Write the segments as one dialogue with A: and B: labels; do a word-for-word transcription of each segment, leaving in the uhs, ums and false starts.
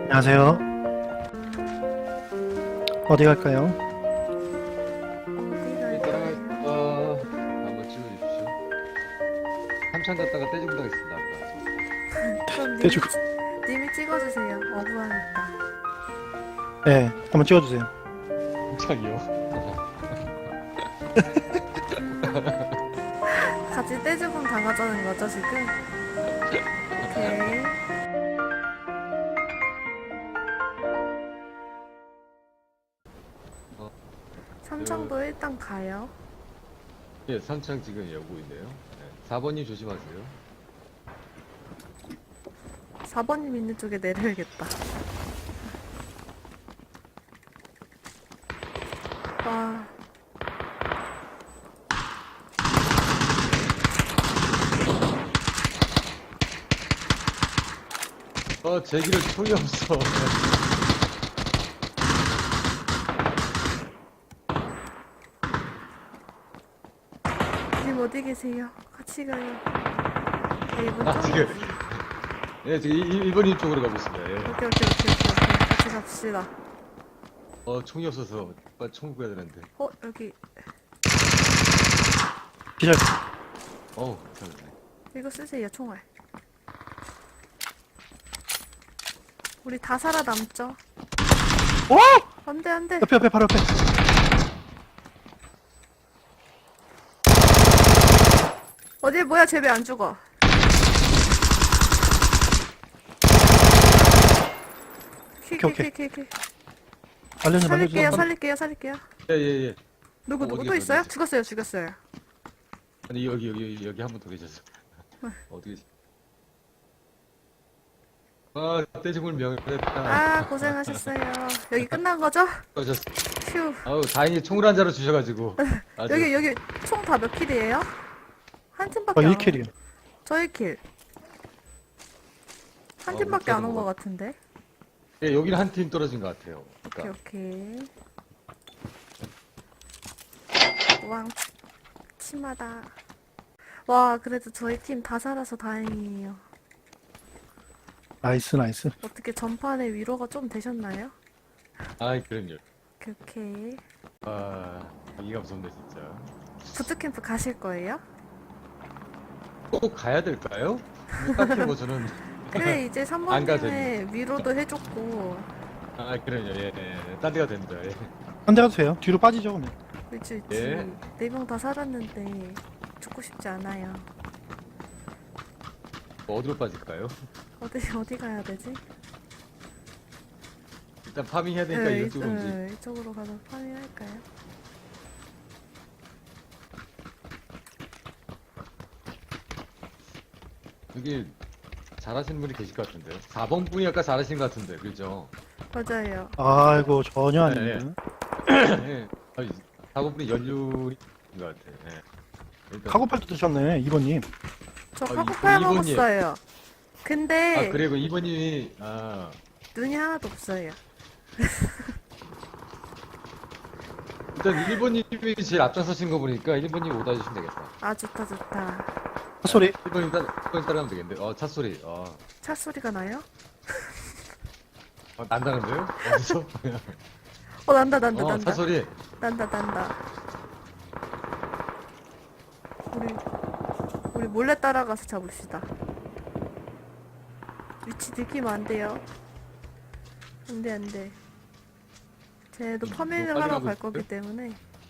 A: 안녕하세요. 어디 갈까요?
B: 어디
C: 네,
B: 갈까요?
C: 따라갈까? 한번 찍어주십시오. 삼창 갔다가 떼주고 당했습니다. 아까
B: 그럼 님이,
A: 대충.
B: 찌- 님이 찍어주세요. 어부하니까.
A: 네, 한번 찍어주세요.
C: 삼창이요.
B: 같이 떼주금 당하자는 거죠, 지금? 오케이.
C: 어,
B: 삼청도 일단 가요.
C: 예, 삼창 지금 여고 있네요. 네, 사 번님 조심하세요.
B: 사 번님 있는 쪽에 내려야겠다. 와,
C: 어, 제 길은 총이 없어.
B: 님 어디 계세요? 같이 가요. 네, 이분
C: 아,
B: 좀-
C: 지금. 예, 지금 일 번님 쪽으로 가고 있습니다. 예.
B: 오케이, 오케이, 오케이, 오케이, 오케이. 같이 갑시다.
C: 어, 총이 없어서 빨리 총 구해야 되는데.
B: 어, 여기.
A: 기절.
C: 어우, 괜찮네.
B: 이거 쓰세요, 총알. 우리 다 살아남죠?
A: 오!
B: 안 돼, 안 돼.
A: 옆에, 옆에, 바로 옆에.
B: 어디, 뭐야, 쟤 왜 안 죽어? 키, 키,
A: 오케이,
B: 키, 키, 키.
A: 알려줘,
B: 살릴게요,
A: 알려줘.
B: 살릴게요, 살릴게요.
C: 예, 예, 예.
B: 누구,
C: 어,
B: 누구
C: 어디
B: 또
C: 계세요,
B: 있어요?
C: 어디
B: 죽었어요, 죽었어요.
C: 아니, 여기, 여기, 여기, 여기 한 분 더 계셨어. 어디 계시 아, 떼죽을 명했다.
B: 아, 고생하셨어요. 여기 끝난 거죠?
C: 하셨어.
B: 휴.
C: 아우, 다행히 총을 한 자루 주셔가지고. 아주-
B: 여기, 여기 총 다 몇 킬이에요? 한
A: 어,
B: 팀밖에 안
A: 일 킬이요.
B: 저 일 킬. 한
C: 어,
B: 팀밖에 안 온
C: 뭐
B: 것 같은데.
C: 예, 여기는 한 팀 떨어진 것 같아요.
B: 오케이,
C: 그러니까
B: 오케이. 왕, 치마다. 와, 그래도 저희 팀 다 살아서 다행이에요.
A: 나이스, 나이스.
B: 어떻게 전판에 위로가 좀 되셨나요?
C: 아이, 그럼요.
B: 오케이, 오케이.
C: 아, 이가 무섭네 진짜.
B: 부트캠프 가실 거예요?
C: 꼭 가야 될까요? 딱히 뭐 저는
B: 그래, 이제
C: 안 가도
B: 삼 번님의 위로도 해줬고.
C: 아, 그럼요. 예, 예. 딴 데가 됩니다. 예.
A: 한 대 가도 돼요. 뒤로 빠지죠, 그러면.
B: 그치, 그치.
C: 예.
B: 네 명 다 살았는데 죽고 싶지 않아요.
C: 뭐 어디로 빠질까요?
B: 어디, 어디 가야 되지?
C: 일단 파밍 해야 되니까
B: 네,
C: 이쪽으로 움직.
B: 네, 이쪽으로 가서 파밍할까요?
C: 여기 잘하시는 분이 계실 것 같은데요. 사 번 분이 아까 잘하신 것 같은데, 그죠?
B: 맞아요.
A: 아이고, 전혀
C: 네,
A: 아닙니다.
C: 예. 사 번 분이 연륜인 것 같아요. 예. 일단-
A: 카고팔도 드셨네, 이 번님.
B: 저
C: 어,
B: 카고팔
C: 이- 이번이에요.
B: 먹었어요. 근데
C: 아, 그리고 이 번님이 아,
B: 눈이 하나도 없어요.
C: 일단 일 번님이 제일 앞장서신 거 보니까 일 번님 오다 주시면 되겠다.
B: 아, 좋다, 좋다.
A: 소리.
C: 일 번님 따라, 일 번님 따라가면 되겠는데. 어, 차 소리. 어,
B: 차 소리가 나요?
C: 어, 난다는데요? 어디서?
B: 어, 난다, 난다,
C: 어,
B: 난다.
C: 차 소리.
B: 난다, 난다. 우리, 우리 몰래 따라가서 잡읍시다. 위치 들키면 안 돼요. 안 돼, 안 돼. 쟤도
C: 음,
B: 파밍을
C: 너무 빨리
B: 하러
C: 가고
B: 갈
C: 있어요?
B: 거기 때문에.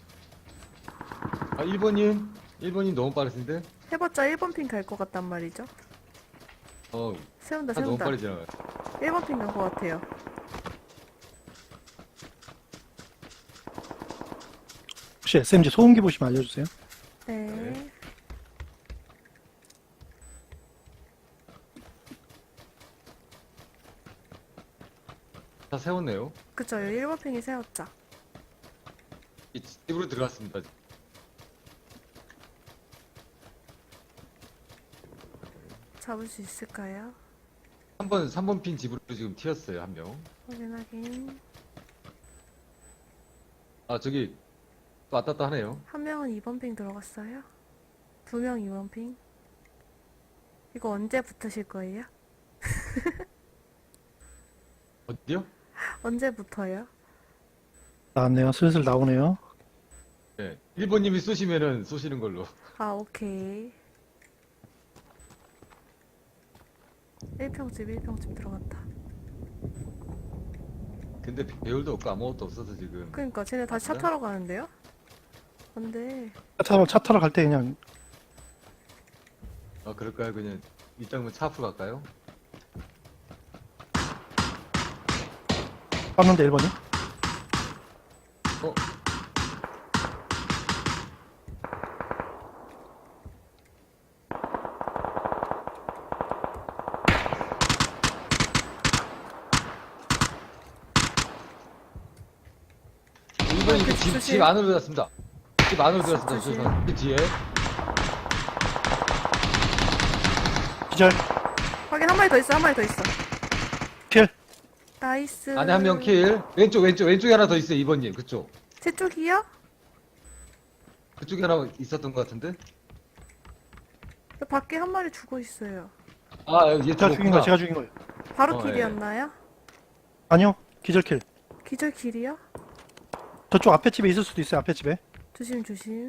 C: 아, 일 번님? 일 번님 너무 빠르신데?
B: 해봤자 일 번 핑 갈 것 같단 말이죠.
C: 어,
B: 세운다,
C: 차 너무
B: 세운다.
C: 빨리 지나가요.
B: 일 번 핑 간 것 같아요.
A: 혹시 에스엠지 소음기 보시면 알려주세요.
B: 네.
C: 네. 차 세웠네요.
B: 그쵸, 일 번 핑이 세웠죠.
C: 이 집으로 들어갔습니다.
B: 잡을 수 있을까요?
C: 삼 번, 삼 번 핀 집으로 지금 튀었어요, 한 명.
B: 확인, 확인.
C: 아, 저기, 또 왔다 갔다 하네요.
B: 한 명은 이 번 핑 들어갔어요. 두 명 이 번 핑. 이거 언제 붙으실 거예요?
C: 어디요?
B: 언제부터요?
A: 나왔네요. 슬슬 나오네요.
C: 네. 일 번님이 쏘시면은 쏘시는 걸로.
B: 아, 오케이. 일 평집, 일 평집 들어갔다.
C: 근데 배율도 없고 아무것도 없어서 지금.
B: 그니까, 쟤네 다시 차
C: 맞아?
B: 타러 가는데요? 안 돼.
A: 차 타러, 차 타러 갈 때 그냥
C: 아, 그럴까요? 그냥 이따 차 앞으로 갈까요?
A: 쐈는데 일 번이.
C: 어? 일 번이 그 집,
B: 조심.
C: 집 안으로 들어갔습니다. 집 안으로 들어갔습니다.
B: 조심.
C: 죄송합니다. 그 뒤에.
A: 기절.
B: 확인, 한 마리 더 있어, 한 마리 더 있어.
A: 킬.
B: 나이스.
C: 안에 한 명 킬. 왼쪽, 왼쪽, 왼쪽에 하나 더 있어요. 이 번님. 그쪽.
B: 제 쪽이요?
C: 그쪽에 하나 있었던 것 같은데?
B: 저 밖에 한 마리 죽어 있어요.
C: 아, 얘
A: 제가 죽인
C: 죽었구나.
A: 거예요. 제가 죽인 거예요.
B: 바로
C: 어,
B: 길이었나요?
A: 아니요. 기절 킬.
B: 기절 길이요?
A: 저쪽 앞에 집에 있을 수도 있어요. 앞에 집에.
B: 조심, 조심.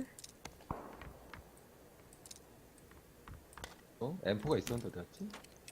C: 어? 엠포가 있었는데 어디 갔지?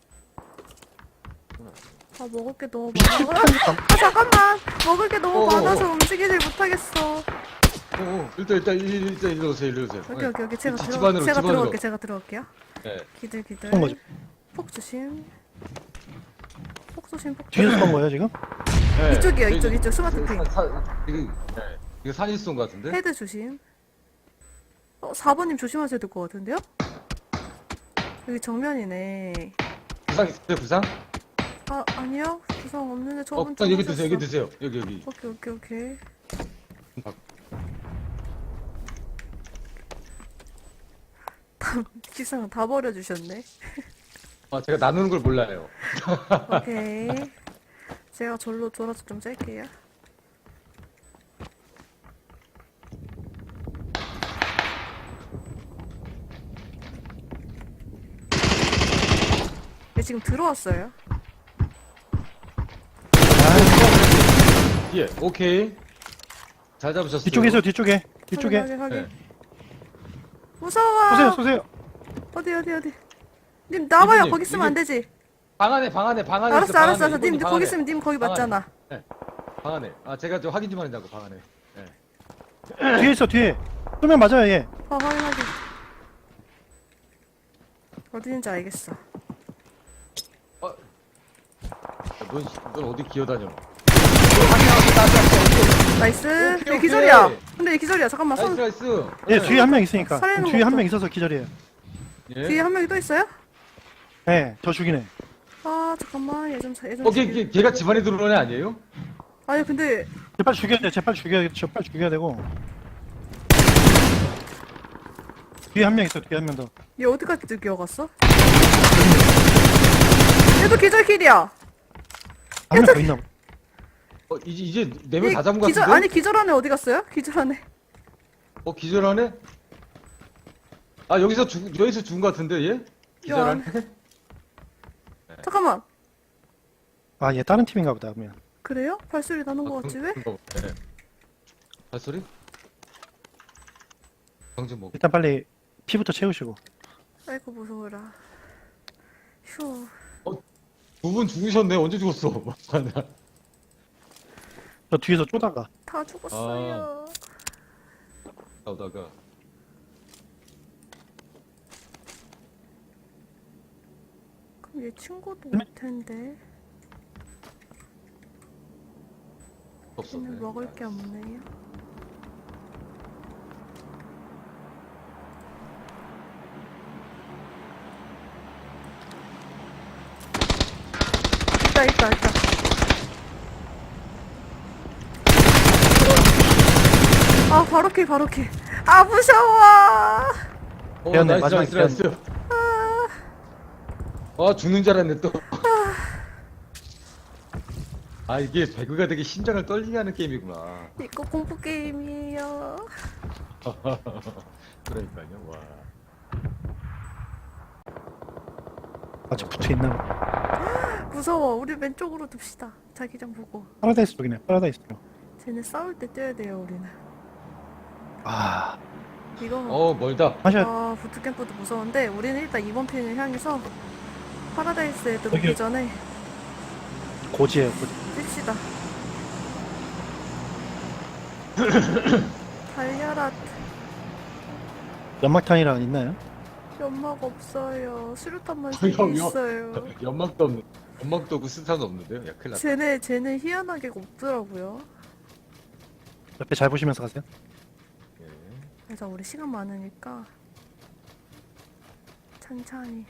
B: 아, 먹을 게 너무 많아. 아, 잠깐만! 먹을 게 너무
C: 어어.
B: 많아서 움직이질 못하겠어.
C: 어, 어, 일단, 일단, 일- 일단, 일로 오세요, 일로 오세요.
B: 여기, 여기, 여기. 제가
C: 집-
B: 들어,
C: 집 안으로,
B: 제가
C: 집 안으로.
B: 들어올게, 제가 들어올게요.
C: 네.
B: 기들, 기들.
A: 쏜 거죠.
B: 폭 조심. 폭 조심, 폭
A: 뒤에서
B: 조심.
A: 쏜 거예요 지금.
C: 네.
B: 이쪽이요,
C: 저기-
B: 이쪽, 이쪽. 스마트 핀.
C: 사- 사- 이거, 네. 이거 산일송 같은데?
B: 헤드 조심. 어, 사 번님 조심하셔야 될 것 같은데요? 여기 정면이네.
C: 부상 있어요, 부상?
B: 아, 아니요. 구성 없는데
C: 어,
B: 저분
C: 부상
B: 좀
C: 여기 드세요, 여기
B: 오셨어.
C: 드세요. 여기, 여기.
B: 오케이, 오케이, 오케이. 기상 다 버려주셨네.
C: 아, 제가 나누는 걸 몰라요.
B: 오케이. 제가 절로 돌아서 좀 짤게요. 네, 지금 들어왔어요.
C: 예, 오케이. 잘 잡으셨어요.
A: 뒤쪽에 있어요. 뒤쪽에. 뒤쪽에.
B: 확인, 확인, 확인.
C: 네.
B: 무서워.
A: 쏘세요. 쏘세요.
B: 어디, 어디, 어디. 님 나와요.
C: 이분님,
B: 거기 있으면 안
C: 이분-
B: 되지.
C: 방 안에, 방 안에, 방 안에.
B: 알았어,
C: 있어, 방
B: 알았어,
C: 안에.
B: 알았어. 님
C: 이분이 방
B: 거기
C: 안에.
B: 있으면 님 거기
C: 방 안에.
B: 맞잖아.
C: 네. 방 안에. 아, 제가 좀 확인 좀 하려고, 방 안에. 네.
A: 뒤에 있어. 뒤에. 쏘면 맞아요 얘.
B: 어, 확인, 확인. 어디 있는지 알겠어.
C: 어, 넌, 넌 어디 기어다녀?
B: 나이스.
C: 오케이,
B: 얘 기절이야.
C: 오케이.
B: 근데 얘 기절이야. 잠깐만.
C: 나이스,
B: 손
C: 나이스.
A: 예, 뒤에 한 명 있으니까.
B: 살리는
A: 뒤에 한
B: 것도.
A: 명 있어서 기절이에요.
C: 예.
B: 뒤에 한 명이 또 있어요?
A: 예, 저 죽이네.
B: 아, 잠깐만. 얘 좀, 얘 좀.
C: 어, 걔, 걔, 걔가 집안에 들어오는 애 아니에요?
B: 아니, 근데
A: 쟤 빨리 죽여야 돼. 쟤 빨리 죽여야 돼. 쟤 빨리 죽여야 되고. 뒤에 한 명 있어. 뒤에 한 명 더.
B: 얘 어디까지 뛰어갔어? 얘도 기절킬이야.
A: 한 명 더 있나 봐.
C: 어, 이제, 이제 네 명
B: 얘
C: 다 잡은 것
B: 기절,
C: 같은데?
B: 아니, 기절한 애 어디 갔어요? 기절한 애.
C: 어, 기절하네? 아, 여기서 죽, 여기서 죽은 것 같은데, 얘? 기절하네?
B: 잠깐만.
A: 아, 얘 다른 팀인가 보다. 그러면.
B: 그래요? 발소리 나는 거 같지, 왜?
C: 네. 발소리? 정신 뭐.
A: 일단 빨리 피부터 채우시고.
B: 아이고, 무서워라. 휴.
C: 두 분 죽으셨네. 언제 죽었어?
A: 저 뒤에서 쪼다가.
B: 다 죽었어요.
C: 나오다가.
B: 그럼 얘 친구도 올 텐데.
C: 없었네.
B: 얘는 먹을 게 없네요. 있다, 있다, 있다. 아, 바로 킬, 바로 킬. 아, 무서워.
C: 어,
A: 되었네,
C: 나이스,
A: 마지막
C: 나이스, 나이스. 아, 죽는 줄 알았네, 또. 아, 이게 배그가 되게 심장을 떨리게 하는 게임이구나.
B: 이거 공포 게임이에요.
C: 그러니까요, 와.
A: 아직 붙어 있나 봐.
B: 무서워. 우리 왼쪽으로 둡시다. 자기장 보고.
A: 파라다이스 쪽이네. 파라다이스 쪽.
B: 쟤네 싸울 때 뛰어야 돼요, 우리는.
A: 아,
B: 이거
C: 어 멀다.
A: 하셔.
B: 아, 부트캠프도 무서운데 우리는 일단 이번 핀을 향해서 파라다이스 애들
A: 여기-
B: 오기 전에
A: 고지예요. 고지.
B: 뜁시다. 달려라.
A: 연막탄이랑 있나요?
B: 연막 없어요. 수류탄만
C: 어,
B: 세 개
C: 형, 형.
B: 있어요.
C: 연막도 없는. 연막도 없고 스탄도 없는데요? 야 큰일 났다.
B: 쟤네 쟤네 희한하게 없더라고요.
A: 옆에 잘 보시면서 가세요.
C: 예.
B: 그래서 우리 시간 많으니까 천천히.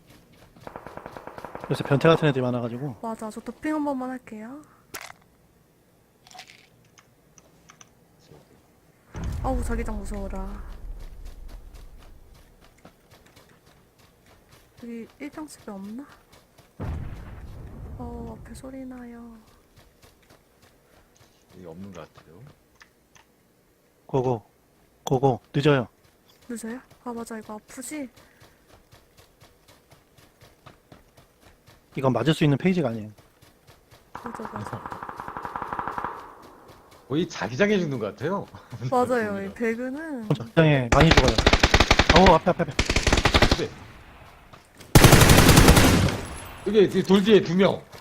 A: 요새 변태 같은 애들이 많아가지고.
B: 맞아, 저 도핑 한 번만 할게요. 아우, 자기장 무서워라. 여기 일평집에 없나? 어, 앞에 소리 나요.
C: 여기 없는 것 같아요.
A: 고고. 고고. 늦어요.
B: 늦어요? 아, 맞아, 이거 아프지?
A: 이건 맞을 수 있는 페이지가 아니에요.
B: 맞아, 맞아.
C: 거의 자기장에 죽는 것 같아요.
B: 맞아요, 이 배그는.
A: 적당히 많이 죽어요. 어우, 앞에, 앞에, 앞에.
C: 네. 여기 돌 뒤에 두 명.